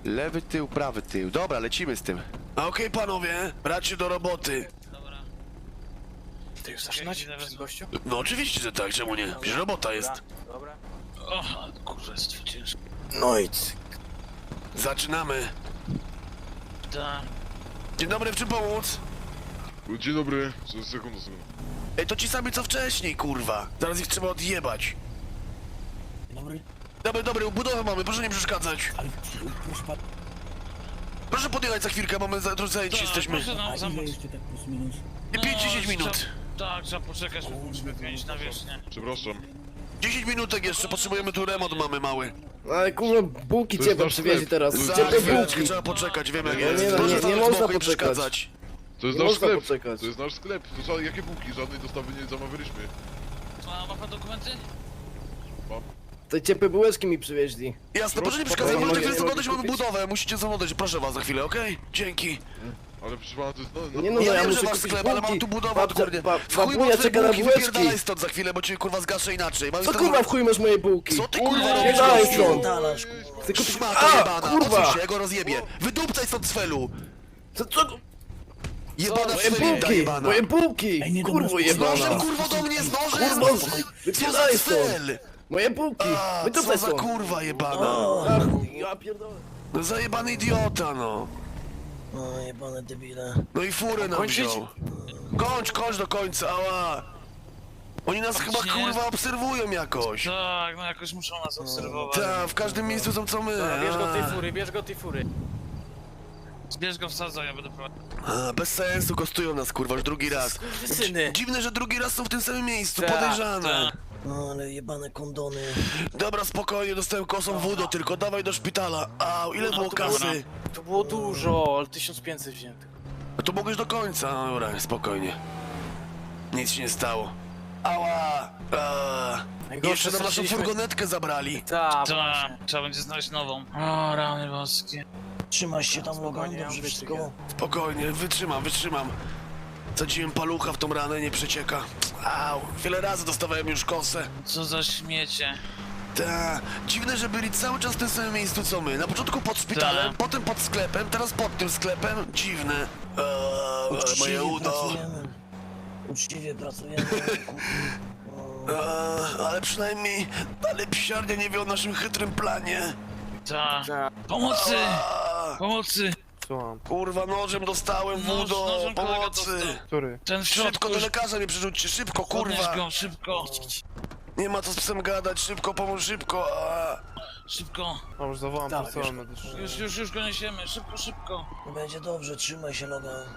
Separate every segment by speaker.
Speaker 1: Lewy tył, prawy tył. Dobra, lecimy z tym.
Speaker 2: Okej, panowie, brać się do roboty.
Speaker 3: Dobra.
Speaker 4: Ty już zaczynać? Przez gościu?
Speaker 2: No oczywiście, że tak, czemu nie? Przecież robota jest.
Speaker 4: Dobra.
Speaker 3: O, kurwa, jest to ciężko.
Speaker 4: No i cyk.
Speaker 2: Zaczynamy.
Speaker 3: Tak.
Speaker 2: Dzień dobry, w czym pomóc?
Speaker 5: Dzień dobry, sekundę.
Speaker 2: Ej, to ci sami co wcześniej, kurwa. Zaraz ich trzeba odjebać.
Speaker 4: Dobry.
Speaker 2: Dobry, budowę mamy, proszę nie przeszkadzać.
Speaker 4: Ale proszę pan,
Speaker 2: Proszę podjechać za chwilkę, mamy trochę zajęci jesteśmy.
Speaker 3: Proszę nam
Speaker 4: a ile
Speaker 3: zamówić.
Speaker 4: jeszcze tak plus minus?
Speaker 2: 5-10 minut.
Speaker 3: Tak, trzeba poczekać, bo musimy wymienić na wierzchnię.
Speaker 5: Przepraszam.
Speaker 2: 10 minutek jeszcze, potrzebujemy tu remont mamy mały.
Speaker 6: Ale kurwa, bułki
Speaker 5: To jest
Speaker 6: ciepłe
Speaker 5: nasz
Speaker 6: przywieźli
Speaker 5: sklep.
Speaker 6: teraz.
Speaker 2: Za
Speaker 6: Ciepłe
Speaker 2: chwileczkę
Speaker 6: bułki.
Speaker 2: trzeba poczekać, wiem jak
Speaker 5: Nie,
Speaker 2: jest.
Speaker 6: nie,
Speaker 2: Proszę
Speaker 6: nie
Speaker 2: stanąć
Speaker 6: można
Speaker 2: z boku i
Speaker 6: poczekać.
Speaker 2: przeszkadzać.
Speaker 5: To jest
Speaker 6: Nie
Speaker 5: nasz
Speaker 6: można
Speaker 5: sklep.
Speaker 6: poczekać.
Speaker 5: To jest nasz sklep. To jakie bułki? Żadnej dostawy nie zamawialiśmy.
Speaker 3: A ma pan dokumenty?
Speaker 6: Te ciepłe bułeczki mi przywieźli.
Speaker 2: Jasne, proszę nie
Speaker 6: Proszę,
Speaker 2: przeszkadzać,
Speaker 6: mogę-
Speaker 2: możecie chwilę
Speaker 6: mogę
Speaker 2: zaglądać, mamy
Speaker 6: kupić?
Speaker 2: budowę, musicie zaglądać, proszę was za chwilę, okej? Dzięki.
Speaker 5: Ale proszę pana, to jest... No,
Speaker 6: Nie no,
Speaker 2: Ja
Speaker 6: ja
Speaker 2: wiem, że
Speaker 6: muszę
Speaker 2: masz
Speaker 6: kupić
Speaker 2: sklep, ale mam
Speaker 6: bułki.
Speaker 2: tu budowę, kurde. W chuj
Speaker 6: Babunia
Speaker 2: masz
Speaker 6: czeka na
Speaker 2: bułki,
Speaker 6: bułeczki.
Speaker 2: wypierdalaj stąd za chwilę, bo cię kurwa zgaszę inaczej. Mam
Speaker 6: Co
Speaker 2: już
Speaker 6: kurwa w chuj masz moje bułki?
Speaker 2: Co ty kurwa robisz,
Speaker 6: Pierdalaj
Speaker 2: gościu?
Speaker 6: stąd. Chcę kupić...
Speaker 2: Szmata
Speaker 6: A,
Speaker 2: jebana,
Speaker 6: kurwa!
Speaker 2: odsuń się, ja go rozjebię. Wydupcaj stąd z felu.
Speaker 6: Co?
Speaker 2: Jebana
Speaker 6: Moje
Speaker 2: sfelita
Speaker 6: bułki!
Speaker 2: jebana.
Speaker 6: Moje bułki!
Speaker 4: Ej, nie
Speaker 6: Kurwo
Speaker 4: dobra,
Speaker 2: Z nożem
Speaker 6: jebana!
Speaker 2: kurwa do mnie, z nożem!
Speaker 6: Kurwa,
Speaker 2: Co za
Speaker 6: wypierdalaj stąd!
Speaker 2: sfel?
Speaker 6: Moje bułki!
Speaker 2: A,
Speaker 6: Wytupaj
Speaker 2: co za
Speaker 6: stąd!
Speaker 2: kurwa jebana.
Speaker 6: A, ja pierdolę.
Speaker 2: No zajebany idiota, no.
Speaker 7: No jebane debile.
Speaker 2: No i furę nam
Speaker 4: Kończyć?
Speaker 2: wziął. Kończ do końca, ała. Oni nas chyba
Speaker 3: nie.
Speaker 2: kurwa obserwują jakoś.
Speaker 3: Tak, no jakoś muszą nas obserwować.
Speaker 2: Tak, w każdym miejscu są co my.
Speaker 4: Dobra, bierz go tej
Speaker 2: A.
Speaker 4: fury, bierz go tej fury.
Speaker 3: Zbierz go w sadze, ja będę prowadził.
Speaker 2: A, bez sensu, kostują nas kurwa już drugi raz.
Speaker 4: Syny.
Speaker 2: Dziwne, że drugi raz są w tym samym miejscu,
Speaker 4: Tak,
Speaker 2: podejrzane.
Speaker 7: No ale jebane kondony.
Speaker 2: Dobra, spokojnie, dostałem kosą wódę, tylko dawaj do szpitala. A, ile było kasy?
Speaker 4: To było dużo, ale 1500 wziętych.
Speaker 2: No to mogłeś do końca, no dobra, spokojnie. Nic się nie stało. Ała!
Speaker 4: Najgorsze,
Speaker 2: Jeszcze nam naszą
Speaker 4: straciliśmy-
Speaker 2: furgonetkę zabrali.
Speaker 4: Tak,
Speaker 3: Tak,
Speaker 4: właśnie.
Speaker 3: trzeba będzie znaleźć nową. O, rany boskie.
Speaker 7: Trzymaj się tam Logan,
Speaker 4: spokojnie,
Speaker 7: dobrze
Speaker 4: ja
Speaker 7: wszystko.
Speaker 2: Spokojnie, wytrzymam. Sadziłem palucha w tą ranę, nie przecieka. Au, wiele razy dostawałem już kosę.
Speaker 3: Co za śmiecie.
Speaker 2: Ta, dziwne, że byli cały czas w tym samym miejscu co my. Na początku pod szpitalem,
Speaker 3: Tak.
Speaker 2: potem pod sklepem, teraz pod tym sklepem. Dziwne. Moje
Speaker 7: Uczciwie
Speaker 2: udo.
Speaker 7: pracujemy. Uczciwie pracujemy.
Speaker 2: Ale przynajmniej dalej psiarnia nie wie o naszym chytrym planie.
Speaker 3: Tak.
Speaker 4: Tak.
Speaker 3: Pomocy!
Speaker 2: A,
Speaker 3: Pomocy!
Speaker 4: Słucham.
Speaker 2: kurwa, nożem dostałem, wódo,
Speaker 3: nożem kolega
Speaker 2: pomocy.
Speaker 3: dostał.
Speaker 4: Który?
Speaker 3: Ten w
Speaker 2: Szybko
Speaker 3: środku
Speaker 2: do
Speaker 3: już.
Speaker 2: lekarza mnie przerzućcie, szybko,
Speaker 3: Podnieś
Speaker 2: kurwa.
Speaker 3: go, szybko.
Speaker 2: Nie ma co z psem gadać, szybko, pomóż, szybko.
Speaker 3: Szybko.
Speaker 8: Dobrze, zawołam
Speaker 4: Dawaj,
Speaker 8: personel
Speaker 4: bierz
Speaker 8: medyczny.
Speaker 3: Już go niesiemy. Szybko.
Speaker 7: Będzie dobrze, trzymaj się Logan.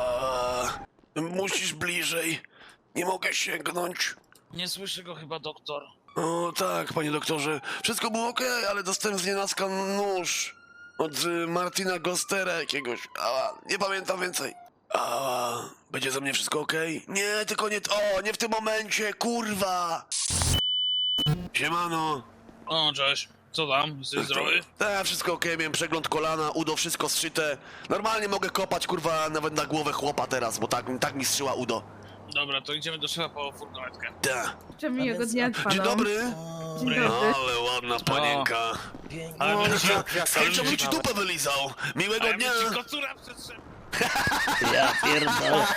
Speaker 2: Musisz bliżej. Nie mogę sięgnąć.
Speaker 3: Nie słyszy go chyba doktor.
Speaker 2: O tak, panie doktorze. Wszystko było okej, ale dostałem z nienacka nóż. Od Martina Gostera jakiegoś. Nie pamiętam więcej. Będzie ze mnie wszystko okej? Nie, tylko nie... O, nie w tym momencie, kurwa! Siemano.
Speaker 3: O, cześć. Co tam? Jesteś zdrowy?
Speaker 2: Tak, wszystko okej, miałem przegląd kolana, udo, wszystko zszyte. Normalnie mogę kopać, kurwa, nawet na głowę chłopa teraz, bo tak mi strzyła udo.
Speaker 3: Dobra, to idziemy do szefa po furgonetkę.
Speaker 2: Tak.
Speaker 9: Życzę miłego dnia panom.
Speaker 2: Dzień dobry.
Speaker 9: Dzień dobry.
Speaker 2: Ale ładna panienka.
Speaker 7: Pięknie.
Speaker 3: Ale będzie ci,
Speaker 2: Skończę mi ci dupę wylizał. Miłego
Speaker 3: ale
Speaker 2: dnia.
Speaker 3: będzie ci kocura przetrzeba.
Speaker 7: Ja pierdolę.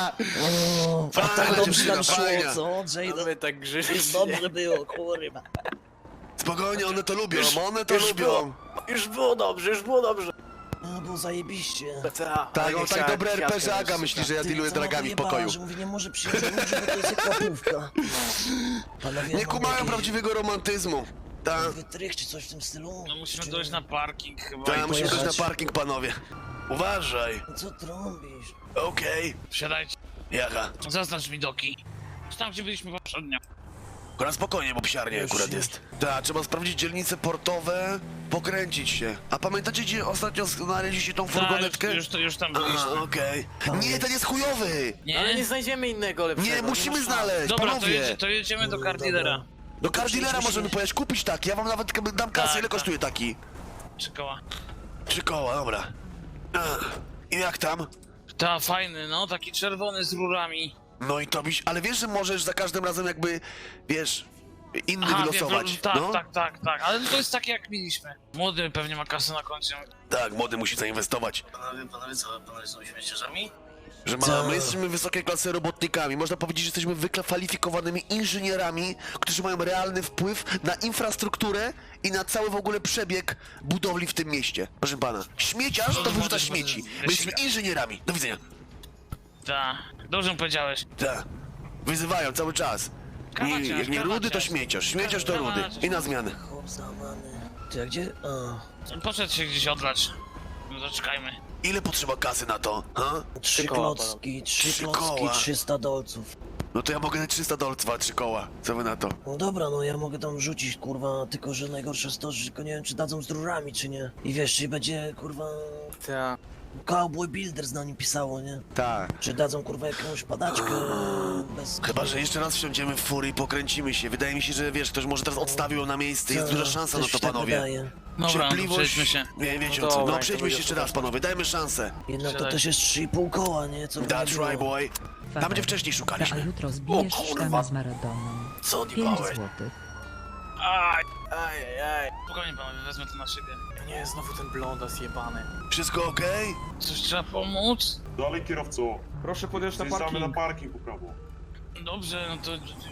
Speaker 7: O,
Speaker 2: Fajna
Speaker 7: tak dobrze
Speaker 2: dziewczyna,
Speaker 7: nam szło,
Speaker 2: fajna.
Speaker 7: co?
Speaker 4: A
Speaker 7: Jada.
Speaker 4: my tak grzyliśmy.
Speaker 7: Dobrze było, kurwa.
Speaker 2: Spokojnie, one to lubią, one to
Speaker 4: już
Speaker 2: lubią.
Speaker 4: Już było dobrze, już było dobrze.
Speaker 7: No bo zajebiście.
Speaker 2: Tak, on tak dobre RPG-aga myśli, że ja
Speaker 7: Ty,
Speaker 2: dealuję
Speaker 7: co ma
Speaker 2: dragami w
Speaker 7: wyjebała,
Speaker 2: pokoju.
Speaker 7: że mówi, nie może przyjąć ludzi, bo to jest jak łapówka. Panowie,
Speaker 2: Nie
Speaker 7: mam
Speaker 2: kumają
Speaker 7: jakieś
Speaker 2: prawdziwego romantyzmu. Tak,
Speaker 7: wytrych czy coś w tym stylu?
Speaker 3: No musimy dojść na parking chyba.
Speaker 2: tak,
Speaker 3: i
Speaker 2: musimy dojść
Speaker 7: pojechać.
Speaker 2: na parking, panowie. Uważaj.
Speaker 7: Co trąbisz?
Speaker 2: Okej.
Speaker 3: Wsiadajcie.
Speaker 2: Jaka?
Speaker 3: Zaznacz mi doki. Tam gdzie byliśmy poprzednio.
Speaker 2: Akurat spokojnie, bo psiarnia
Speaker 7: Już
Speaker 2: akurat
Speaker 7: się-
Speaker 2: jest. Tak, trzeba sprawdzić dzielnice portowe, pokręcić się. A pamiętacie, gdzie ostatnio znaleźliście tą furgonetkę?
Speaker 3: Już tam byliśmy.
Speaker 2: Aha, okej. Nie, ten jest chujowy!
Speaker 3: Nie?
Speaker 4: Ale nie znajdziemy innego lepszego.
Speaker 2: Nie, musimy
Speaker 4: ma szans.
Speaker 2: znaleźć,
Speaker 3: Dobra,
Speaker 2: panowie!
Speaker 3: to jedziemy do car dealera.
Speaker 2: Do car dealera możemy pojechać, kupić taki, ja wam nawet dam kasę,
Speaker 3: Tak,
Speaker 2: ile
Speaker 3: tak.
Speaker 2: kosztuje taki?
Speaker 3: 3 koła.
Speaker 2: 3 koła, dobra. I jak tam?
Speaker 3: Ta, fajny, no, taki czerwony z rurami.
Speaker 2: No i to byś, ale wiesz, że możesz za każdym razem jakby, wiesz,
Speaker 1: inny
Speaker 3: Aha,
Speaker 1: wylosować.
Speaker 3: wiem, tak,
Speaker 1: No.
Speaker 3: tak, ale to jest takie jak mieliśmy. Młody pewnie ma kasę na koncie.
Speaker 1: Tak, młody musi zainwestować.
Speaker 8: Panowie co? Panowie są śmiecierzami?
Speaker 1: Że my jesteśmy wysokiej klasy robotnikami. Można powiedzieć, że jesteśmy wykwalifikowanymi inżynierami, którzy mają realny wpływ na infrastrukturę i na cały w ogóle przebieg budowli w tym mieście. Proszę pana, śmieciarz to wyrzuca śmieci. My jesteśmy inżynierami. Do widzenia.
Speaker 3: Tak, dobrze mu powiedziałeś.
Speaker 1: Tak. Wyzywają cały czas.
Speaker 3: Kawaciarz,
Speaker 1: Jak nie rudy, to
Speaker 3: kawaciarz.
Speaker 1: śmieciarz. Śmieciarz to rudy. I na zmianę.
Speaker 7: Chłop załamany. Ty, a gdzie? A,
Speaker 3: Poszedł się gdzieś odlać. No zaczekajmy.
Speaker 1: Ile potrzeba kasy na to, ha?
Speaker 7: 3
Speaker 4: koła,
Speaker 7: klocki,
Speaker 1: Trzy
Speaker 7: 3 klocki,
Speaker 1: koła.
Speaker 7: 300 dolców.
Speaker 1: No to ja mogę na 300 dolców, 3 koła. Co wy na to?
Speaker 7: No dobra, no ja mogę tam rzucić, kurwa, tylko że najgorsze jest to, że tylko nie wiem, czy dadzą z rurami, czy nie. I wiesz, czy będzie, kurwa,
Speaker 4: Tak.
Speaker 7: Cowboy Builders na nim pisało, nie?
Speaker 1: Tak.
Speaker 7: Czy dadzą, kurwa, jakąś padaczkę bez...
Speaker 1: Chyba, że jeszcze raz wsiądziemy w fury i pokręcimy się. Wydaje mi się, że wiesz, ktoś może teraz odstawił ją na miejsce. Jest duża szansa na
Speaker 7: Też
Speaker 1: to,
Speaker 7: się tak
Speaker 1: panowie.
Speaker 7: wydaje.
Speaker 3: Dobra, no,
Speaker 1: Cierpliwość.
Speaker 3: przejdźmy się.
Speaker 1: Nie wiecie
Speaker 4: No
Speaker 1: o co.
Speaker 4: dobra,
Speaker 1: No
Speaker 4: to
Speaker 1: przejdźmy się
Speaker 4: będzie
Speaker 1: jeszcze raz, panowie. Dajmy szansę.
Speaker 7: Jednak to
Speaker 3: Siadaj.
Speaker 7: też jest 3,5 koła, nie? Co by nie
Speaker 1: That's
Speaker 7: było.
Speaker 1: right, boy. Tam, gdzie wcześniej
Speaker 10: A
Speaker 1: szukaliśmy.
Speaker 10: jutro zbijesz
Speaker 1: O, kurwa.
Speaker 10: sztama z Maradoną.
Speaker 1: Co
Speaker 10: 5
Speaker 1: odjebałeś?
Speaker 10: złotych.
Speaker 3: Aj,
Speaker 4: Ajajaj.
Speaker 3: spokojnie panowie, wezmę to na siebie.
Speaker 4: Nie, znowu ten blondas jebany.
Speaker 1: Wszystko okej?
Speaker 3: Coś trzeba pomóc?
Speaker 11: Dalej kierowco.
Speaker 4: Proszę podjechać na
Speaker 11: Zjeżdżamy
Speaker 4: parking.
Speaker 11: na parking po prawo.
Speaker 3: Dobrze, no to...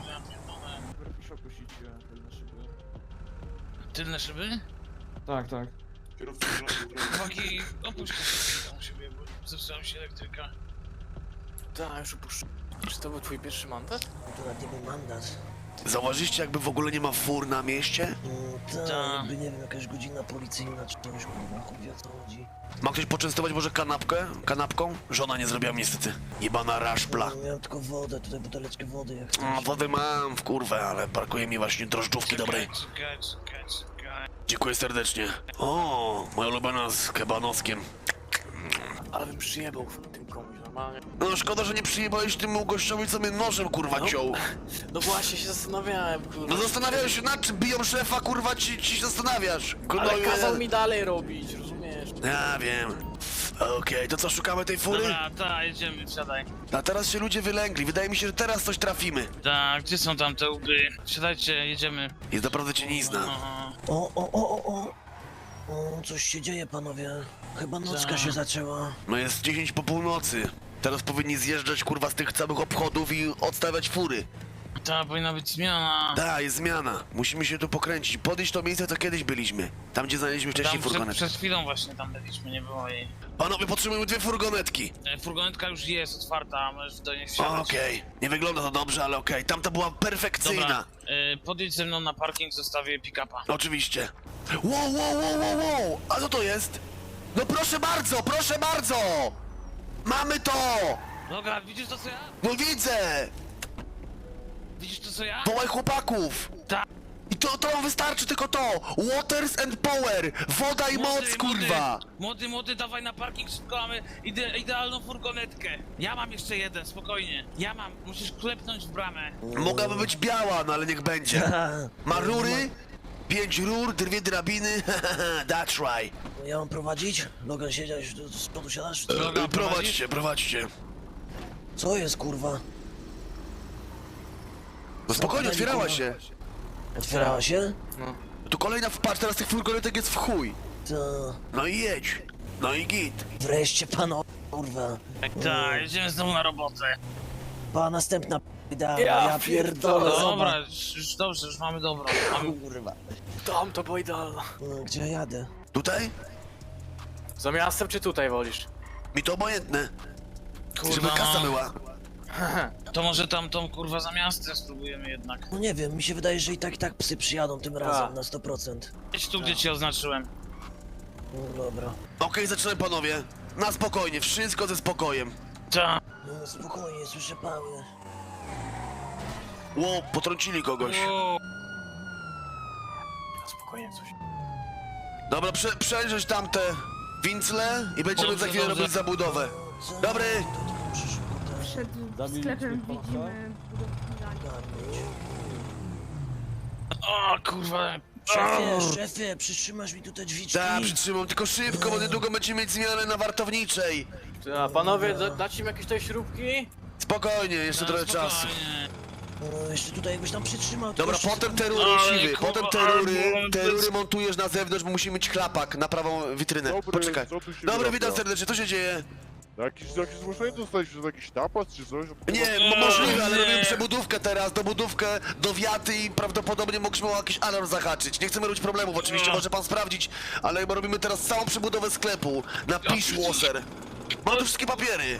Speaker 4: Proszę opuścić tylne szyby.
Speaker 3: Tylne szyby?
Speaker 4: Tak, tak.
Speaker 11: Kierowco,
Speaker 3: Chłopaki, opuśćcie się tam u siebie, bo zepsuła się elektryka.
Speaker 4: Tak, już opuszczę. Czy to był twój pierwszy mandat?
Speaker 7: To nawet nie był mandat.
Speaker 1: Zauważyliście, jakby w ogóle nie ma fur na mieście?
Speaker 7: Tak,
Speaker 3: Tak.
Speaker 7: jakby, nie wiem, jakaś godzina policyjna, czy coś, kurwa, chuj wie, o co chodzi.
Speaker 1: Ma ktoś poczęstować może kanapką? Żona nie zrobiła niestety. Jebana raszpla.
Speaker 7: Miałem tylko wodę, tutaj buteleczkę wody, jak
Speaker 1: A,
Speaker 7: chcesz.
Speaker 1: wodę mam w kurwę, ale brakuje mi właśnie drożdżówki dobrej.
Speaker 3: Czekaj.
Speaker 1: Dziękuję serdecznie. O, moja ulubiona z kebanoskiem.
Speaker 4: Ale bym przyjebał w tym komuś, normalnie.
Speaker 1: No szkoda, że nie przyjebałeś tym gościowi, co mnie nożem kurwa ciął.
Speaker 4: No właśnie się zastanawiałem, kurwa.
Speaker 1: No zastanawiałeś się nad czym biją szefa, kurwa ci się zastanawiasz. Kurwa,
Speaker 4: Ale kazał mi dalej robić, rozumiesz?
Speaker 1: Ja wiem. Okej, to co, szukamy tej fury?
Speaker 3: Dobra, tak, jedziemy, wsiadaj.
Speaker 1: A teraz się ludzie wylęgli, wydaje mi się, że teraz coś trafimy.
Speaker 3: Tak, gdzie są tam te łby? Wsiadajcie, jedziemy.
Speaker 1: Jest naprawdę cienizna.
Speaker 3: Aha.
Speaker 7: O, coś się dzieje, panowie. Chyba nocka
Speaker 3: Tak.
Speaker 7: się zaczęła.
Speaker 1: No jest 10 po północy. Teraz powinni zjeżdżać kurwa z tych całych obchodów i odstawiać fury.
Speaker 3: Ta powinna być zmiana.
Speaker 1: Da, jest zmiana. Musimy się tu pokręcić. Podejść to miejsce, co kiedyś byliśmy. Tam, gdzie znaleźliśmy wcześniej
Speaker 3: Tam
Speaker 1: furgonetkę.
Speaker 3: przed chwilą właśnie tam byliśmy, nie było jej.
Speaker 1: Panowie, potrzebujemy 2 furgonetki.
Speaker 3: Furgonetka już jest otwarta, możesz do niej wsiadać.
Speaker 1: Okej. Nie wygląda to dobrze, ale okej. Tamta była perfekcyjna.
Speaker 3: Dobra, podjedź ze mną na parking, zostawię pick-upa.
Speaker 1: Oczywiście. Wow. A co to jest? No proszę bardzo, proszę bardzo! Mamy to!
Speaker 3: Dobra, widzisz to co ja?
Speaker 1: No widzę!
Speaker 3: Widzisz to co ja?
Speaker 1: Wołaj chłopaków!
Speaker 3: Tak.
Speaker 1: I to wam wystarczy tylko to! Waters and power! Woda i moc, kurwa!
Speaker 3: Młody, dawaj na parking, szybko mamy idealną furgonetkę. Ja mam jeszcze jeden, spokojnie. Ja mam, musisz klepnąć w bramę.
Speaker 1: Mogłaby być biała, no ale niech będzie. Ma rury? 5 rur, 2 drabiny, that's right.
Speaker 7: Ja mam prowadzić? Logan siedziałeś, z przodu siadasz?
Speaker 3: Droga,
Speaker 1: Prowadźcie.
Speaker 7: Co jest, kurwa?
Speaker 1: No spokojnie, otwierała się.
Speaker 7: Otwierała się?
Speaker 1: Tu kolejna wpatrz, teraz tych furgonetek jest w chuj.
Speaker 7: To...
Speaker 1: No i jedź. No i git.
Speaker 7: Wreszcie, pano, kurwa.
Speaker 3: Tak, jedziemy znowu na robotę.
Speaker 7: Pa, następna p***da,
Speaker 4: Ja
Speaker 7: ja pierdolę,
Speaker 3: Dobra,
Speaker 7: zobacz.
Speaker 3: już dobrze, już mamy dobrą.
Speaker 7: Kurwa.
Speaker 4: Tam to była idealna.
Speaker 7: Gdzie ja jadę?
Speaker 1: Tutaj?
Speaker 4: Za miastem czy tutaj wolisz?
Speaker 1: Mi to obojętne. Żeby
Speaker 3: Kurwa,
Speaker 1: kasa
Speaker 3: no.
Speaker 1: była.
Speaker 3: To może tamtą kurwa za miastem spróbujemy jednak.
Speaker 7: No nie wiem, mi się wydaje, że i tak psy przyjadą tym razem na 100%.
Speaker 3: Jedź tu, gdzie ci oznaczyłem.
Speaker 7: No dobra.
Speaker 1: Okej, zaczynamy panowie. Na spokojnie, wszystko ze spokojem.
Speaker 3: Tak.
Speaker 7: No spokojnie, słyszę pały.
Speaker 1: Ło, potrącili kogoś.
Speaker 3: Wow.
Speaker 4: Spokojnie coś.
Speaker 1: Dobra, przejrzeć tamte wincle i będziemy
Speaker 3: Dobrze,
Speaker 1: za chwilę
Speaker 3: dobrze.
Speaker 1: robić zabudowę. Dobry.
Speaker 7: To tylko przyszło, tak.
Speaker 9: Przed sklepem widzimy budowlanie.
Speaker 3: O kurwa.
Speaker 7: Szefie, przytrzymasz mi tutaj drzwiczki?
Speaker 1: Da, przytrzymam, tylko szybko, bo niedługo będziemy mieć zmianę na wartowniczej.
Speaker 4: A panowie, dać im jakieś tutaj śrubki?
Speaker 1: Spokojnie, jeszcze trochę czasu.
Speaker 3: Spokojnie.
Speaker 7: No, jeszcze tutaj jakbyś tam przytrzymał. to
Speaker 1: Dobra,
Speaker 7: jeszcze
Speaker 1: potem
Speaker 7: sekundkę.
Speaker 1: te rury,
Speaker 3: Ale
Speaker 1: siwy,
Speaker 3: kurwa,
Speaker 1: potem te rury montujesz na zewnątrz, bo musimy mieć klapak na prawą witrynę.
Speaker 5: Dobry,
Speaker 1: Poczekaj.
Speaker 5: co tu się
Speaker 1: Dobra,
Speaker 5: wyrabia?
Speaker 1: witam serdecznie, co się dzieje?
Speaker 5: Jakieś zgłoszenie dostaliście, że jakiś napad czy coś?
Speaker 1: Nie, możliwe, ale robimy przebudówkę teraz, dobudówkę do wiaty i prawdopodobnie mogliśmy o jakiś alarm zahaczyć. Nie chcemy robić problemów, oczywiście, może pan sprawdzić, ale chyba robimy teraz całą przebudowę sklepu na Dishwasher. Mam tu wszystkie papiery.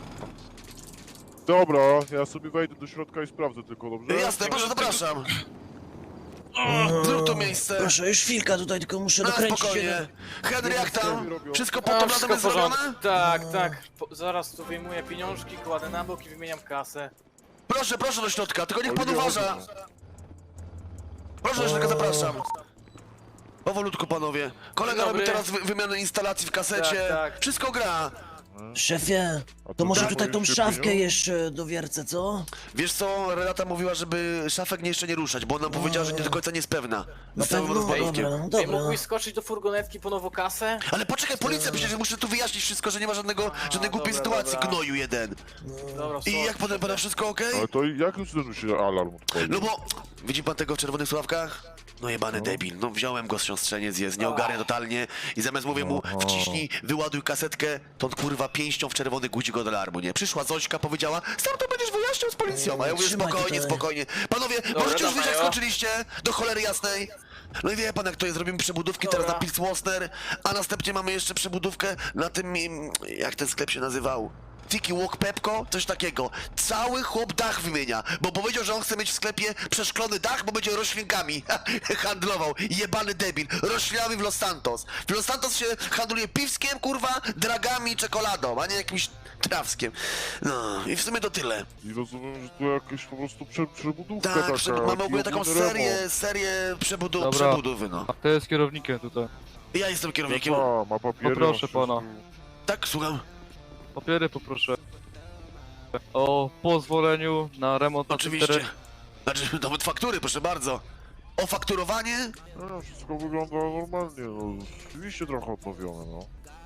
Speaker 5: Dobra, ja sobie wejdę do środka i sprawdzę tylko, dobrze?
Speaker 1: Jasne, proszę, zapraszam. Zrób to miejsce.
Speaker 7: Proszę, już chwilka tutaj, tylko muszę
Speaker 1: Na
Speaker 7: dokręcić
Speaker 1: spokojnie.
Speaker 7: jeden.
Speaker 1: Henry, jak tam? Wszystko pod
Speaker 4: A,
Speaker 1: tym
Speaker 4: wszystko
Speaker 1: razem
Speaker 4: w
Speaker 1: jest
Speaker 4: porządku.
Speaker 1: zrobione?
Speaker 4: Tak, tak. Zaraz tu wyjmuję pieniążki, kładę na bok i wymieniam kasę.
Speaker 1: Proszę, proszę do środka, tylko niech pan
Speaker 5: Oliwia,
Speaker 1: uważa.
Speaker 5: chodź.
Speaker 1: Proszę do środka, zapraszam. Powolutku, panowie. Kolega
Speaker 4: Dzień
Speaker 1: robi
Speaker 4: dobry.
Speaker 1: teraz wymianę instalacji w kasecie.
Speaker 4: Tak, tak.
Speaker 1: Wszystko gra.
Speaker 7: Szefie,
Speaker 5: A
Speaker 7: to może
Speaker 5: tak,
Speaker 7: tutaj tą
Speaker 5: jeszcze
Speaker 7: szafkę
Speaker 5: pieniądze?
Speaker 7: jeszcze dowiercę, co?
Speaker 1: Wiesz co, Renata mówiła, żeby szafek jeszcze nie ruszać, bo ona powiedziała, że nie do końca nie jest pewna.
Speaker 7: Na
Speaker 1: Z całym
Speaker 7: pewno,
Speaker 1: rozładowkiem.
Speaker 7: dobra,
Speaker 4: Ej,
Speaker 7: dobra.
Speaker 4: mógłbyś skoczyć do furgonetki po nową kasę?
Speaker 1: Ale poczekaj, policja, przecież muszę tu wyjaśnić wszystko, że nie ma żadnej głupiej
Speaker 4: dobra,
Speaker 1: sytuacji,
Speaker 4: dobra.
Speaker 1: gnoju jeden.
Speaker 4: Dobra,
Speaker 1: I jak pana wszystko okej?
Speaker 5: Ale to jak już zdążył się alarm odpalić?
Speaker 1: No bo, widzi pan tego w czerwonych sławkach? No jebany debil, no wziąłem go z siostrzeniec, jest, nie ogarnia totalnie i zamiast mówię mu, wciśnij, wyładuj kasetkę, to on kurwa pięścią w czerwony guzi go do alarmu, nie? Przyszła Zośka, powiedziała, sam to będziesz wyjaśniał z policją, a ja mówię,
Speaker 7: Trzymaj
Speaker 1: spokojnie,
Speaker 7: tutaj.
Speaker 1: spokojnie. Panowie, możecie już wyjść, jak
Speaker 4: dawaj, o.
Speaker 1: skończyliście, do cholery jasnej. No i wie pan jak to jest, robimy przebudówki teraz na
Speaker 4: Dobra.
Speaker 1: Pilswosner, a następnie mamy jeszcze przebudówkę na tym, jak ten sklep się nazywał? Tiki Walk Pepko? Coś takiego. Cały chłop dach wymienia, bo powiedział, że on chce mieć w sklepie przeszklony dach, bo będzie roślinkami handlował. Jebany debil. Roślinami w Los Santos. W Los Santos się handluje piwskiem, kurwa, dragami i czekoladą, a nie jakimś trawskiem. No i w sumie to tyle.
Speaker 5: I rozumiem, że tu jakaś po prostu przebudówka
Speaker 1: Tak,
Speaker 5: taka.
Speaker 1: mamy ogólnie
Speaker 5: taki
Speaker 1: taką
Speaker 5: ogólny remont.
Speaker 1: serię
Speaker 10: Dobra.
Speaker 1: przebudowy, no.
Speaker 10: To jest kierownikiem tutaj.
Speaker 1: Ja jestem kierownikiem.
Speaker 5: A, ma papiery.
Speaker 10: Poproszę
Speaker 5: ma
Speaker 10: pana.
Speaker 5: wszystko.
Speaker 1: Tak, słucham.
Speaker 10: Papiery poproszę. O pozwoleniu na remont na
Speaker 1: Oczywiście.
Speaker 10: teren.
Speaker 1: Znaczy, nawet faktury, proszę bardzo. O fakturowanie?
Speaker 5: No, wszystko wygląda normalnie, no. Oczywiście trochę odnowione, no.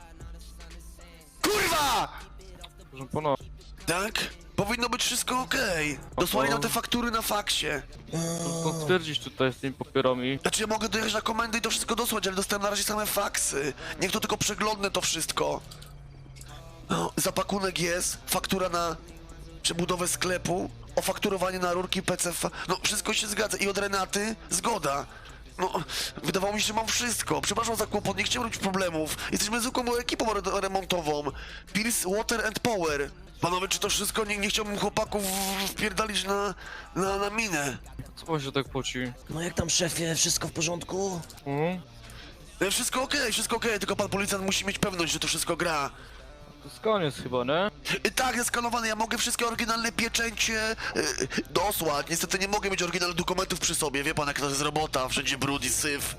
Speaker 1: Kurwa!
Speaker 10: Proszę pana.
Speaker 1: Tak? Powinno być wszystko okej. Dosłali nam te faktury na faksie.
Speaker 10: To stwierdzić tutaj z tymi papierami.
Speaker 1: Znaczy, ja mogę dojechać na komendę i to wszystko dosłać, ale dostałem na razie same faksy. Niech to tylko przeglądnę to wszystko. No, zapakunek jest, faktura na przebudowę sklepu, ofakturowanie na rurki PCV. No, wszystko się zgadza. I od Renaty zgoda. No, wydawało mi się, że mam wszystko. Przepraszam za kłopot, nie chciałem robić problemów. Jesteśmy zwykłą ekipą remontową. Pierce Water and Power. Panowie, czy to wszystko? Nie chciałbym chłopaków wpierdalić na minę.
Speaker 10: Co pan się tak poci?
Speaker 7: No jak tam, szefie, wszystko w porządku?
Speaker 1: Wszystko okej, tylko pan policjant musi mieć pewność, że to wszystko gra.
Speaker 10: To jest koniec chyba, nie?
Speaker 1: Tak, jest skanowane, ja mogę wszystkie oryginalne pieczęcie dosłać. Niestety nie mogę mieć oryginalnych dokumentów przy sobie, wie pan jak to jest robota, wszędzie brud i syf.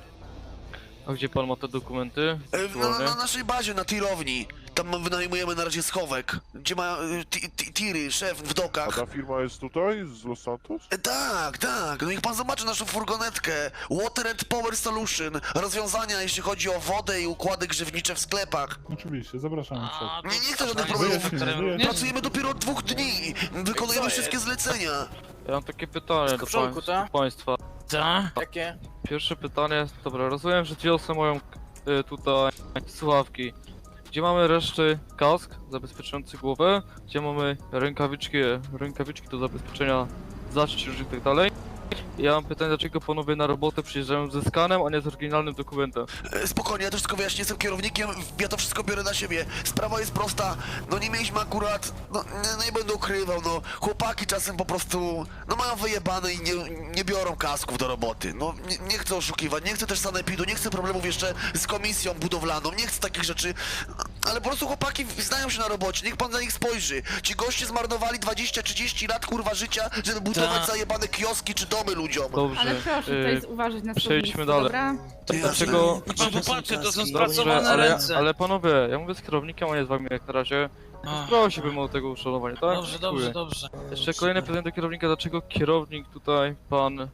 Speaker 10: A gdzie pan ma te dokumenty?
Speaker 1: Na naszej bazie, na tirowni. Tam wynajmujemy na razie schowek, gdzie ma tiry, szef w
Speaker 5: A
Speaker 1: dokach.
Speaker 5: ta firma jest tutaj, z Los Santos?
Speaker 1: Tak, no niech pan zobaczy naszą furgonetkę. Water and Power Solution. Rozwiązania, jeśli chodzi o wodę i układy grzewnicze w sklepach.
Speaker 11: Oczywiście, zapraszam.
Speaker 3: A, to
Speaker 1: Nie chcę żadnych
Speaker 3: jest
Speaker 1: problemów.
Speaker 3: faktorem również?
Speaker 1: Pracujemy dopiero od 2 dni. Wykonujemy wszystkie zlecenia.
Speaker 10: Ja mam takie pytanie
Speaker 4: Wszystko w porządku, tak?
Speaker 10: do państwa.
Speaker 3: Ta?
Speaker 4: Jakie?
Speaker 10: Pierwsze pytanie, dobra, rozumiem, że wiosę moją tutaj słuchawki. Gdzie mamy reszty kask zabezpieczający głowę, gdzie mamy rękawiczki do zabezpieczenia zacięć różnych i tak dalej. Ja mam pytanie, dlaczego panowie na robotę przyjeżdżają ze skanem, a nie z oryginalnym dokumentem?
Speaker 1: Spokojnie, ja to wszystko wyjaśnię, jestem kierownikiem, ja to wszystko biorę na siebie. Sprawa jest prosta, no nie mieliśmy akurat, no nie będę ukrywał, no chłopaki czasem po prostu, no mają wyjebane i nie biorą kasków do roboty. No nie chcę oszukiwać, nie chcę też sanepidu, nie chcę problemów jeszcze z komisją budowlaną, nie chcę takich rzeczy, ale po prostu chłopaki znają się na robocie, niech pan na nich spojrzy. Ci goście zmarnowali 20-30 lat kurwa życia, żeby budować
Speaker 3: Tak.
Speaker 1: zajebane kioski czy domy ludziom.
Speaker 10: Dobrze,
Speaker 9: Ale proszę tutaj uważać na
Speaker 10: przejdźmy
Speaker 9: słownictwo,
Speaker 10: dalej.
Speaker 9: dobra?
Speaker 10: Dlaczego...
Speaker 3: Pan popatrzy, to są
Speaker 10: Dobrze,
Speaker 3: spracowane ręce.
Speaker 10: ale panowie, ja mówię z kierownikiem, a nie z wami jak na razie.
Speaker 3: Ach,
Speaker 10: Prosiłbym o tego uszanowania, tak?
Speaker 3: Dobrze,
Speaker 10: Dziękuję.
Speaker 3: dobrze.
Speaker 10: Jeszcze kolejne pytanie do kierownika, dlaczego kierownik tutaj, pan,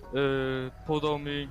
Speaker 10: podał mi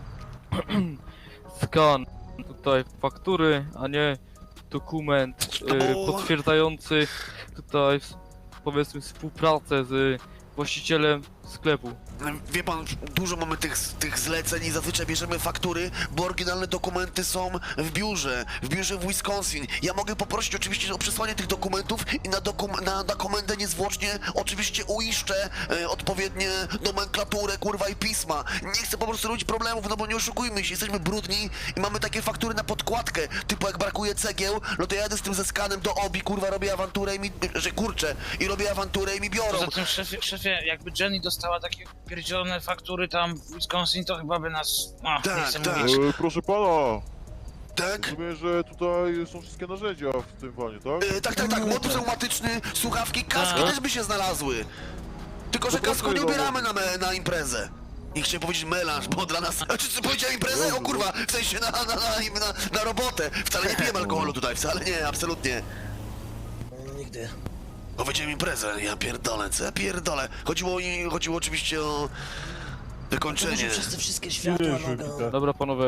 Speaker 10: skan tutaj faktury, a nie dokument potwierdzający tutaj powiedzmy współpracę z właścicielem sklepu.
Speaker 1: Wie pan, dużo mamy tych zleceń i zazwyczaj bierzemy faktury, bo oryginalne dokumenty są w biurze w Wisconsin. Ja mogę poprosić oczywiście o przesłanie tych dokumentów i na komendę niezwłocznie oczywiście uiszczę odpowiednie nomenklaturę, kurwa, i pisma. Nie chcę po prostu robić problemów, no bo nie oszukujmy się, jesteśmy brudni i mamy takie faktury na podkładkę, typu jak brakuje cegieł, no to ja jadę z tym ze skanem do OBI, kurwa, robię awanturę i mi, że kurczę, i robię awanturę i mi biorą.
Speaker 3: Poza tym, szefie, jakby Jenny dostała takie pierdzielone faktury tam w Wisconsin, to chyba by nas... O,
Speaker 1: Tak,
Speaker 3: nie chcę
Speaker 1: tak.
Speaker 3: mówić.
Speaker 5: Proszę pana,
Speaker 1: Tak?
Speaker 5: rozumiem, że tutaj są wszystkie narzędzia w tym wanie, tak?
Speaker 1: Tak, motyw pneumatyczny, słuchawki, kaski
Speaker 3: Tak.
Speaker 1: też by się znalazły. Tylko, że
Speaker 5: No
Speaker 1: kasku nie
Speaker 5: pasuje,
Speaker 1: ubieramy na imprezę. Nie chciałem powiedzieć melanż, bo dla nas... Czy co powiedziałem imprezę? O kurwa, w sensie na robotę. Wcale nie pijemy alkoholu tutaj, wcale nie, absolutnie.
Speaker 7: Nigdy.
Speaker 1: Powiedziałem imprezę, ja pierdolę, co ja pierdolę. Chodziło oczywiście o wykończenie.
Speaker 7: Wyszły przez te wszystkie światła, noga.
Speaker 10: Dobra panowie.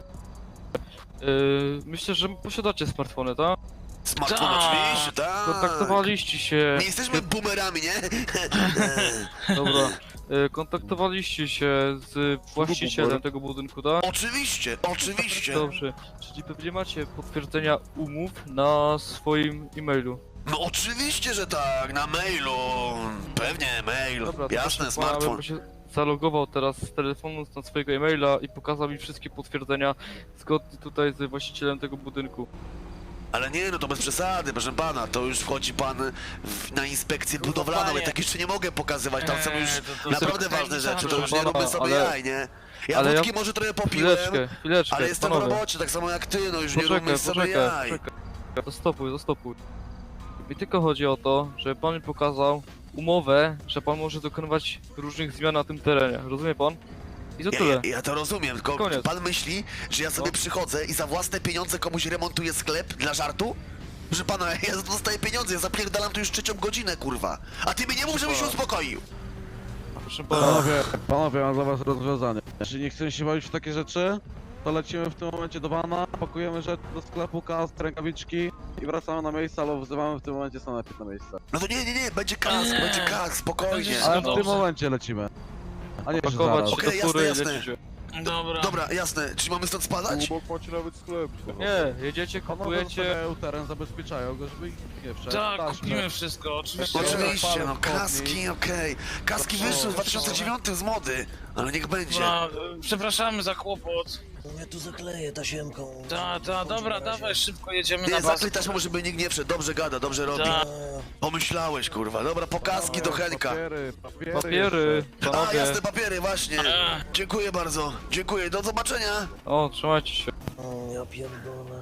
Speaker 10: Myślę, że posiadacie smartfony, tak?
Speaker 1: Smartfon
Speaker 3: Tak.
Speaker 1: oczywiście, tak.
Speaker 10: Kontaktowaliście się...
Speaker 1: Nie jesteśmy boomerami, nie?
Speaker 10: Dobra. Kontaktowaliście się z właścicielem tego budynku, tak?
Speaker 1: Oczywiście.
Speaker 10: Dobrze. Czyli pewnie macie potwierdzenia umów na swoim e-mailu.
Speaker 1: No oczywiście, że tak, na mailu. Pewnie, mail.
Speaker 10: Dobra, to
Speaker 1: Jasne,
Speaker 10: proszę pana,
Speaker 1: smartfon.
Speaker 10: bym się zalogował teraz z telefonu na swojego e-maila i pokazał mi wszystkie potwierdzenia zgodnie tutaj z właścicielem tego budynku.
Speaker 1: Ale nie, no to bez przesady, proszę pana, to już wchodzi pan na inspekcję budowlaną, ja tak jeszcze nie mogę pokazywać, tam są już
Speaker 3: to
Speaker 1: naprawdę
Speaker 3: tylko
Speaker 1: ważne rzeczy, to już
Speaker 10: pana,
Speaker 1: nie róbmy sobie
Speaker 10: ale-
Speaker 1: jaj, nie? Ja
Speaker 10: ale
Speaker 1: wódki
Speaker 10: ja-
Speaker 1: może trochę popiłem,
Speaker 10: Chwileczkę,
Speaker 1: ale jestem w
Speaker 10: panowie.
Speaker 1: robocie, tak samo jak ty, no już nie róbmy sobie jaj.
Speaker 10: Zastopuj. Mi tylko chodzi o to, żeby pan mi pokazał umowę, że pan może dokonywać różnych zmian na tym terenie. Rozumie pan? I to tyle.
Speaker 1: Ja to rozumiem, tylko
Speaker 10: Koniec.
Speaker 1: pan myśli, że ja sobie
Speaker 10: No.
Speaker 1: przychodzę i za własne pieniądze komuś remontuję sklep dla żartu? Proszę pana, ja za to dostaję pieniądze, ja zapierdalam tu już 3. godzinę, kurwa. A ty mi nie mów, żebym się uspokoił.
Speaker 10: Proszę pana.
Speaker 12: Panowie, mam dla was rozwiązanie. Jeśli nie chcemy się bawić w takie rzeczy, to lecimy w tym momencie do bana, pakujemy rzeczy do sklepu, kask, rękawiczki i wracamy na miejsce, albo wzywamy w tym momencie sanepid na miejsce.
Speaker 1: No to nie, będzie kask, spokojnie.
Speaker 3: Będzie
Speaker 12: Ale w
Speaker 3: dobrze.
Speaker 12: tym momencie lecimy. A nie, że
Speaker 10: Pakować
Speaker 12: zaraz.
Speaker 10: się
Speaker 1: Okej,
Speaker 10: do fury i
Speaker 1: jasne.
Speaker 10: lecicie.
Speaker 3: Dobra.
Speaker 1: Dobra, jasne, czy mamy stąd spadać?
Speaker 5: Obok macie nawet sklep.
Speaker 10: Nie, jedziecie,
Speaker 12: Panowie
Speaker 10: kupujecie...
Speaker 12: zostawiają teren, zabezpieczają go, żeby ich nie wszedł.
Speaker 3: Tak,
Speaker 12: Taśmy.
Speaker 3: kupimy wszystko, oczywiście.
Speaker 1: Oczywiście, no
Speaker 12: Palec
Speaker 1: kaski, okej. Kaski wyszły w 2009 z mody, ale niech będzie.
Speaker 3: No, przepraszamy za kłopot.
Speaker 7: Ja tu zakleję tasiemką.
Speaker 3: Dobra, dawaj, szybko jedziemy na
Speaker 1: Nie,
Speaker 3: bazę.
Speaker 1: zaklej taśmą, żeby nikt nie wszedł, dobrze gada, dobrze robi.
Speaker 3: Tak.
Speaker 1: Pomyślałeś, kurwa, dobra, po kaski do Henka.
Speaker 12: Papiery.
Speaker 1: A,
Speaker 10: Panowie.
Speaker 1: jasne, papiery, właśnie. Dziękuję bardzo, dziękuję, do zobaczenia.
Speaker 10: O, trzymajcie się.
Speaker 7: O, ja pierdolę.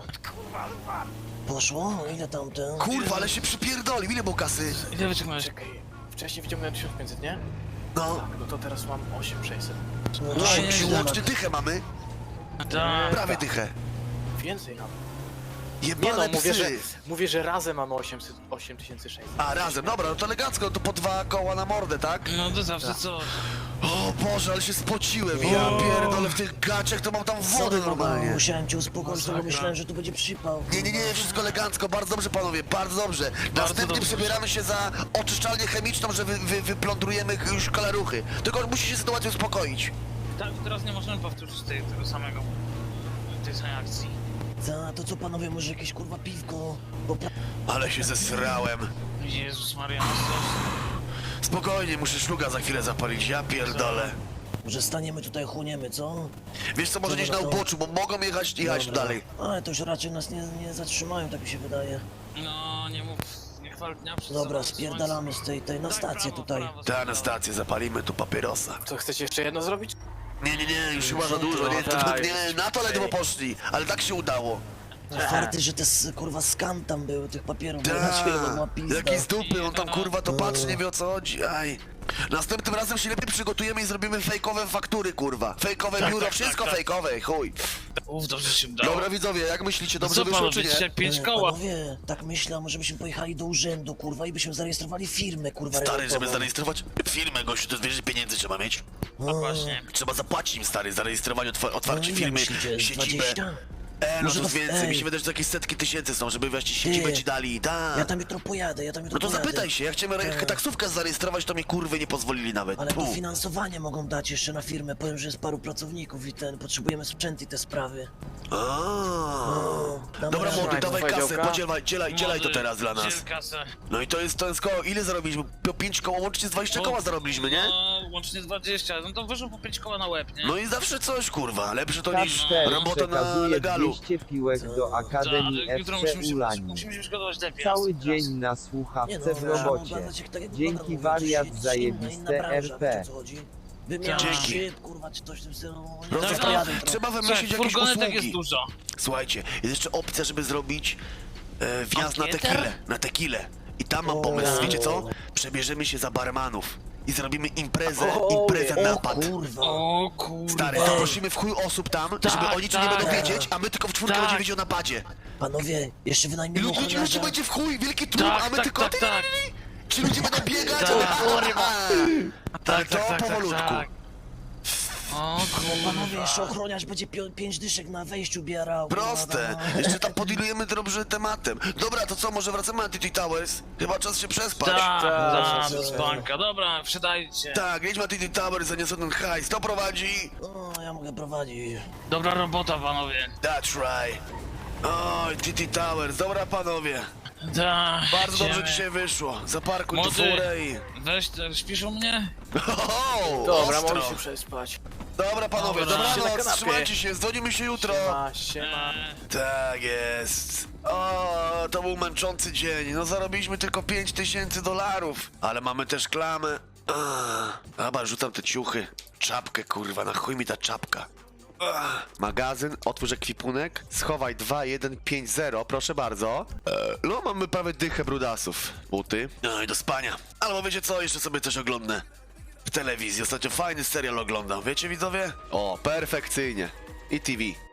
Speaker 7: Poszło? Ile tamten?
Speaker 1: Kurwa, ale się przypierdolił, ile było kasy?
Speaker 3: Ile wyciągnąłeś?
Speaker 4: Czekaj, wcześniej wyciągnąłem 1500, nie?
Speaker 1: No,
Speaker 4: No to teraz mam 8600.
Speaker 7: No,
Speaker 1: no
Speaker 7: to
Speaker 3: nie,
Speaker 7: się
Speaker 1: łącznie dychę mamy,
Speaker 3: Tak.
Speaker 1: prawie dychę.
Speaker 4: Więcej nawet. Nie
Speaker 1: Jebane
Speaker 4: no,
Speaker 1: psy.
Speaker 4: mówię, że razem mamy 8600.
Speaker 1: A, razem, dobra, no to elegancko, to po 2 koła na mordę, tak?
Speaker 3: No to zawsze co?
Speaker 1: O Boże, ale się spociłem, ja pierdolę, w tych gaciach to mam tam wodę
Speaker 7: Sorry,
Speaker 1: normalnie.
Speaker 7: musiałem cię uspokoić, bo myślałem, że tu będzie przypał.
Speaker 1: Nie, wszystko elegancko, bardzo dobrze panowie, bardzo dobrze. Następnie
Speaker 3: dobrze.
Speaker 1: przebieramy się za oczyszczalnię chemiczną, że wyplądrujemy już kalaruchy. Tylko musi się sytuacja uspokoić.
Speaker 3: Tak, teraz nie możemy powtórzyć tego samego, tej samej akcji.
Speaker 7: Za to co panowie, może jakieś kurwa piwko? Bo
Speaker 1: Ale się zesrałem.
Speaker 3: Jezus Maria, no
Speaker 1: Spokojnie, muszę szluga za chwilę zapalić, ja pierdolę.
Speaker 7: że staniemy tutaj, chłoniemy, co?
Speaker 1: Wiesz co, może gdzieś na uboczu, bo mogą jechać tu
Speaker 7: Dobra.
Speaker 1: dalej.
Speaker 7: Ale to już raczej nas nie zatrzymają, tak mi się wydaje.
Speaker 3: No, nie mów, nie chwal dnia przed
Speaker 7: Dobra,
Speaker 3: sobą,
Speaker 7: spierdalamy z tej na
Speaker 3: Tak,
Speaker 7: stację
Speaker 3: prawo,
Speaker 7: tutaj.
Speaker 3: prawo,
Speaker 1: Ta, na stację zapalimy tu papierosa.
Speaker 4: Co, chcecie jeszcze jedno zrobić?
Speaker 1: Nie, już chyba za dużo, nie, nie, na to ledwo poszli, ale tak się udało.
Speaker 7: Farty, że te kurwa skan tam były, tych papierów, bo na ciebie ma
Speaker 1: Tak,
Speaker 7: pizda.
Speaker 1: jaki z dupy, on tam kurwa to patrzy, nie wie o co chodzi, aj. Następnym razem się lepiej przygotujemy i zrobimy fejkowe faktury, kurwa. Fejkowe biuro, wszystko fejkowe, chuj.
Speaker 3: Uf, dobrze się udało.
Speaker 1: Dobra widzowie, jak myślicie, dobrze
Speaker 3: Co
Speaker 1: wyszło
Speaker 3: panu,
Speaker 1: czy nie?
Speaker 3: dzisiaj 5 koła?
Speaker 7: Panowie, tak myślę, może byśmy pojechali do urzędu, kurwa, i byśmy zarejestrowali firmę, kurwa,
Speaker 1: Stary, żeby
Speaker 7: remontową.
Speaker 1: zarejestrować firmę, gościu, to wiesz, że pieniędzy trzeba mieć.
Speaker 3: No właśnie.
Speaker 1: Trzeba zapłacić im, stary, zarejestrowanie, otwarcie
Speaker 7: No,
Speaker 1: firmy,
Speaker 7: jak myślicie, z
Speaker 1: siedzibę.
Speaker 7: 20?
Speaker 1: No
Speaker 7: Może
Speaker 1: to
Speaker 7: to-
Speaker 1: więcej, mi
Speaker 7: ej.
Speaker 1: się wydaje, że to jakieś setki tysięcy są, żeby właśnie siedzibę ci dali, tak.
Speaker 7: Ja tam jutro pojadę,
Speaker 1: No to zapytaj się, jak chciałem
Speaker 7: Tak.
Speaker 1: taksówkę zarejestrować, to mi kurwy nie pozwolili nawet.
Speaker 7: Ale
Speaker 1: Pu.
Speaker 7: dofinansowanie mogą dać jeszcze na firmę, powiem, że jest paru pracowników i potrzebujemy sprzęt i te sprawy. damy
Speaker 1: Dobra
Speaker 7: radę.
Speaker 1: młody, dawaj
Speaker 4: Słuchaj,
Speaker 1: kasę,
Speaker 4: działka.
Speaker 1: dzielaj to
Speaker 3: Młody,
Speaker 1: teraz dla nas.
Speaker 3: dziel kasę.
Speaker 1: No i to jest koło, ile zarobiliśmy? 5 koło, łącznie z 20 koła zarobiliśmy, nie?
Speaker 3: No, łącznie 20, no to wyszło po 5 koła na łeb, nie?
Speaker 1: No i zawsze coś kurwa, lepsze to niż
Speaker 9: Kasper
Speaker 1: robota na
Speaker 9: przekazuje
Speaker 1: legalu.
Speaker 9: 200 piłek do
Speaker 3: Tak,
Speaker 9: Akademii
Speaker 3: ale jutro
Speaker 9: FC Ulani.
Speaker 3: musimy się przygotować lepiej.
Speaker 9: Cały
Speaker 3: raz.
Speaker 9: dzień na
Speaker 7: Nie
Speaker 9: słuchawce w
Speaker 7: no,
Speaker 9: robocie.
Speaker 7: oglądać jak tak jak
Speaker 9: Dzięki
Speaker 7: wygląda,
Speaker 9: wariat
Speaker 7: mówię,
Speaker 9: zajebiste
Speaker 7: inna branża,
Speaker 9: RP.
Speaker 7: wiecie, o co chodzi? Wymiana
Speaker 1: Dzięki.
Speaker 7: szyb, kurwa, czy coś w tym stylu.
Speaker 1: No
Speaker 7: Nie,
Speaker 1: to
Speaker 3: Tak,
Speaker 7: pojadę
Speaker 3: tak.
Speaker 7: jutro.
Speaker 1: trzeba
Speaker 3: Słuchaj,
Speaker 1: wymyślić jakieś
Speaker 3: furgonetek jest
Speaker 1: usługi.
Speaker 3: dużo.
Speaker 1: Słuchajcie, jest jeszcze opcja, żeby zrobić wjazd na
Speaker 3: Ankietę?
Speaker 1: tequilę, I tam mam pomysł, wiecie co? Przebierzemy się za barmanów i zrobimy imprezę napad.
Speaker 7: Kurwa.
Speaker 3: O kurwa.
Speaker 1: Stary, zaprosimy w chuj osób tam, żeby oni ci nie
Speaker 3: tak.
Speaker 1: będą wiedzieć, a my tylko w czwórkę
Speaker 3: Tak.
Speaker 1: będziemy wiedzieć o napadzie.
Speaker 7: Panowie, jeszcze
Speaker 1: I
Speaker 7: wynajmiemy
Speaker 1: ludzi
Speaker 7: ochroniarza.
Speaker 1: będzie w chuj, wielki tłum, a my tylko...
Speaker 3: tak.
Speaker 1: Ci ludzie będą biegać?
Speaker 3: Tak.
Speaker 1: Tak, to powolutku.
Speaker 3: O kurwa.
Speaker 7: Panowie, jeszcze ochroniarz będzie 5 dyszek na wejściu bierał. kurwa,
Speaker 1: Proste.
Speaker 7: no.
Speaker 1: Jeszcze tam podilujemy dobrze tematem. Dobra, to co, może wracamy na TT Towers? Chyba czas się przespać.
Speaker 3: Tak, spanka. Dobra, wsiadajcie.
Speaker 1: Tak, jedźmy na TT Towers, zaniosę ten hajs. To prowadzi?
Speaker 7: O, ja mogę prowadzić.
Speaker 3: Dobra robota, panowie.
Speaker 1: That's right. Oj, TT Towers, dobra panowie.
Speaker 3: Tak,
Speaker 1: Bardzo dobrze
Speaker 3: idziemy.
Speaker 1: dzisiaj wyszło. Zaparkuj tu
Speaker 3: Młody.
Speaker 1: furę i...
Speaker 3: Weź, śpisz u mnie?
Speaker 1: Oho,
Speaker 4: Dobra,
Speaker 1: ostro.
Speaker 4: mogę się przespać.
Speaker 1: Dobra panowie,
Speaker 3: Dobra.
Speaker 4: Na
Speaker 1: dobranoc,
Speaker 4: kanapie.
Speaker 1: trzymajcie się, dzwonimy się jutro.
Speaker 4: Siema.
Speaker 1: Tak jest. O, to był męczący dzień. No zarobiliśmy tylko $5000, ale mamy też klamę. Dobra, rzucam te ciuchy. Czapkę, kurwa, na chuj mi ta czapka. Magazyn, otwórz ekwipunek, schowaj 2150, proszę bardzo. No, mamy prawie dychę brudasów. Buty. No i do spania. Albo wiecie co, jeszcze sobie coś oglądnę. W telewizji, ostatnio fajny serial oglądam, wiecie widzowie? O, perfekcyjnie. I TV.